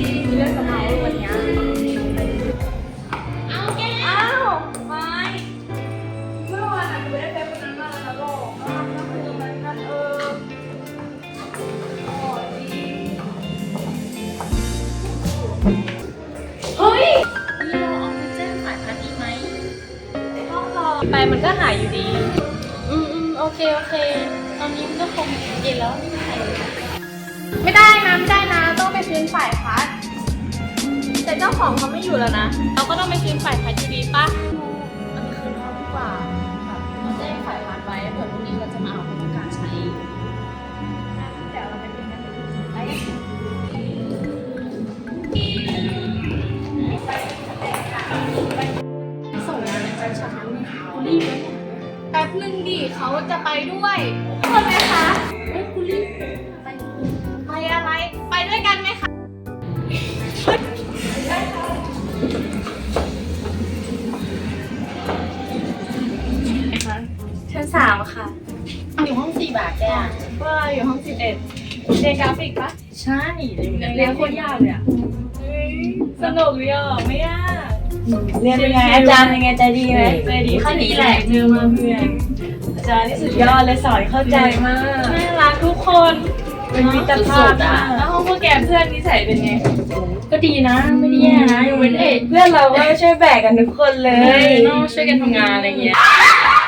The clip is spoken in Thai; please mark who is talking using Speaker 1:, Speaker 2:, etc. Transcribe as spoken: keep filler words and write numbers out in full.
Speaker 1: มีเรื่องจะเมาวันนี้เอาแกอ้าวไม่เมื่อวานอ่ะดูได้เป็นวันนั้นมาแล้วหรอกก็คือมันนั่นเออโอ้ดีเฮ้ยเราเอาไปแจ้งฝ่ายพันดีไหมก็รอไปมันก็หายอยู่ดีอืมอืมโอเคโอเคตอนนี้มันก็คงเย็นแล้วไม่มีใครไม่ได้นะไม่ได้นะต้องไปคืนฝ่ายพัดแต่เจ้าของเขาไม่อยู่แล้วนะเราก็ต้องไปคืนฝ่ายพัดอยู่ดีป่ะเอาไปคืนเขาดีกว่าแบบเราแจ้งฝ่ายพัดไว้เผื่อพรุ่งนี้เราจะมาเอาเขาต้องการใช้เดี๋ยวเราไปคืนกันไปส่งงานในใจฉันคุณรีบเลยแป๊บนึงดิเขาจะไปด้วยคนไหมคะเอ้ยคุณรีบไปไปอะไรไปด้วยกันไหมคะได้ค่ะชั้นสามค่ะอยู่ห้องสี่บาทแกว่าอยู่ห้องสิบเอ็ดเรียนกราฟิกปะใช่เรียนโคตรยากเลยอ่ะสนุกดีอ่ะไม่ยาก
Speaker 2: เรียนเป็นไงอาจารย์เป็นไงใจดีไหม
Speaker 1: ใจดีเขาดีแหละเจอมาเพื่อนอาจารย์นี่สุดยอดเลยสอนเข้าใจมากน่ารักทุกคนเป็นมิตรภาพอ่ะแล้วห้องพวกแกเพื่อนนิสัยเป็นไงก็ดีนะไม่ได้แย่นะยกเว้นเอกเพื่อนเราก็ช่วยแบกกันทุกคนเลยต้องช่วยกันทำงานอะไรเงี้ย